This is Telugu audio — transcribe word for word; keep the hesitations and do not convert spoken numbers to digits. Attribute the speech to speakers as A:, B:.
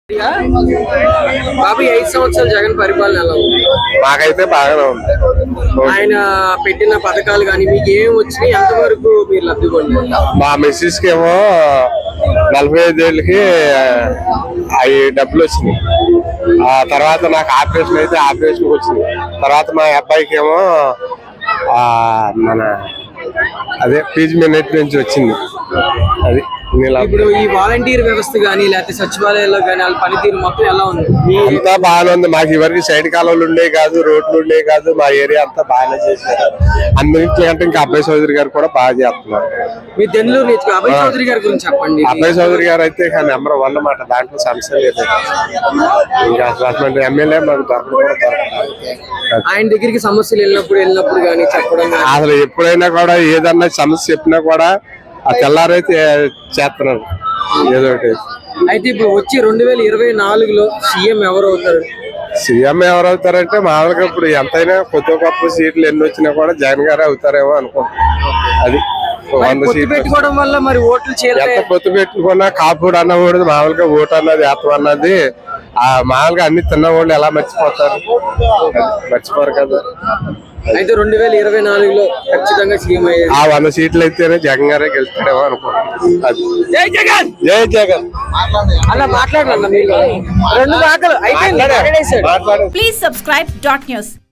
A: బాబు ఐదు సంవత్సరాలు జగన్ పరిపాలన ఎలా ఉంది?
B: మాకైతే బాగానే ఉంది.
A: ఆయన పెట్టిన పథకాలు కానీ మీకు ఏం వచ్చినాయి, ఎంతవరకు మీరు లబ్ధి పొందారు?
B: మా మిస్సెస్ కి ఏమో నలభై ఐదు ఏళ్ళకి అవి డబ్బులు వచ్చినాయి. ఆ తర్వాత నాకు ఆపరేషన్ అయితే ఆపరేషన్ వచ్చింది. తర్వాత మా అబ్బాయికి ఏమో ఆ మన అదే ఫీజు మినిట్ నుంచి వచ్చింది. అది
A: ఇప్పుడు ఈ వాలంటీర్ వ్యవస్థ కానీ లేకపోతే సచివాలయాల్లో కానీ వాళ్ళ పనితీరు మొత్తం ఎలా ఉంది?
B: అంతా బాగానే ఉంది. మాకు ఎవరికి సైడ్ కాలువలు ఉండే కాదు, రోడ్లు ఉండే కాదు. మా ఏరియా అంతా బాగానే చేశారు. అన్నింటికంటే ఇంకా అబ్బాయి చౌదరి గారు కూడా బాగా చేస్తున్నారు.
A: మీ తెల్లూరు నుంచి అబ్బాయి చౌదరి గారి గురించి చెప్పండి.
B: అబ్బాయి చౌదరి గారు అయితే నెంబర్ వన్ అన్నమాట, దాంట్లో సమస్య లేదు. ఇంకా అసలు ఎమ్మెల్యే మాకు దొరకడం కూడా దొరకదు.
A: ఆయన దగ్గరికి సమస్యలు వెళ్ళినప్పుడు వెళ్ళినప్పుడు కానీ చెప్పడం
B: అసలు ఎప్పుడైనా కూడా ఏదన్నా సమస్య చెప్పినా కూడా ఆ తెల్లారైతే చేస్తున్నారు ఏదో ఒకటి.
A: అయితే ఇప్పుడు వచ్చి రెండు వేల ఇరవై నాలుగులో సీఎం ఎవరు అవుతారు?
B: సీఎం ఎవరు అవుతారంటే మామూలుగా ఇప్పుడు ఎంతైనా కొత్త గొప్ప సీట్లు ఎన్ని వచ్చినా కూడా జగన్ గారే అవుతారేమో అనుకుంటున్నాం. అది వంద సీట్లు
A: పెట్టుకోవడం వల్ల మరి ఓట్లు
B: ఎంత పొత్తు పెట్టుకున్నా కాపుడు అన్నకూడదు. మామూలుగా ఓటు అన్నది ఏతం అన్నది ఆ మామూలుగా అన్ని తిన్నవాళ్ళు ఎలా మర్చిపోతారు? మర్చిపోరు కదా.
A: అయితే రెండు వేల ఇరవై నాలుగులో ఖచ్చితంగా సీఎం అయ్యారు.
B: ఆ వంద సీట్లు అయితేనే జగన్ గారే గెలుస్తాడేమో అనుకుంటున్నాం. జై జగన్, జై జగన్.
A: అలా మాట్లాడాలన్నా మీరు రెండు దాఖలు అయితే.
C: Please subscribe dot news.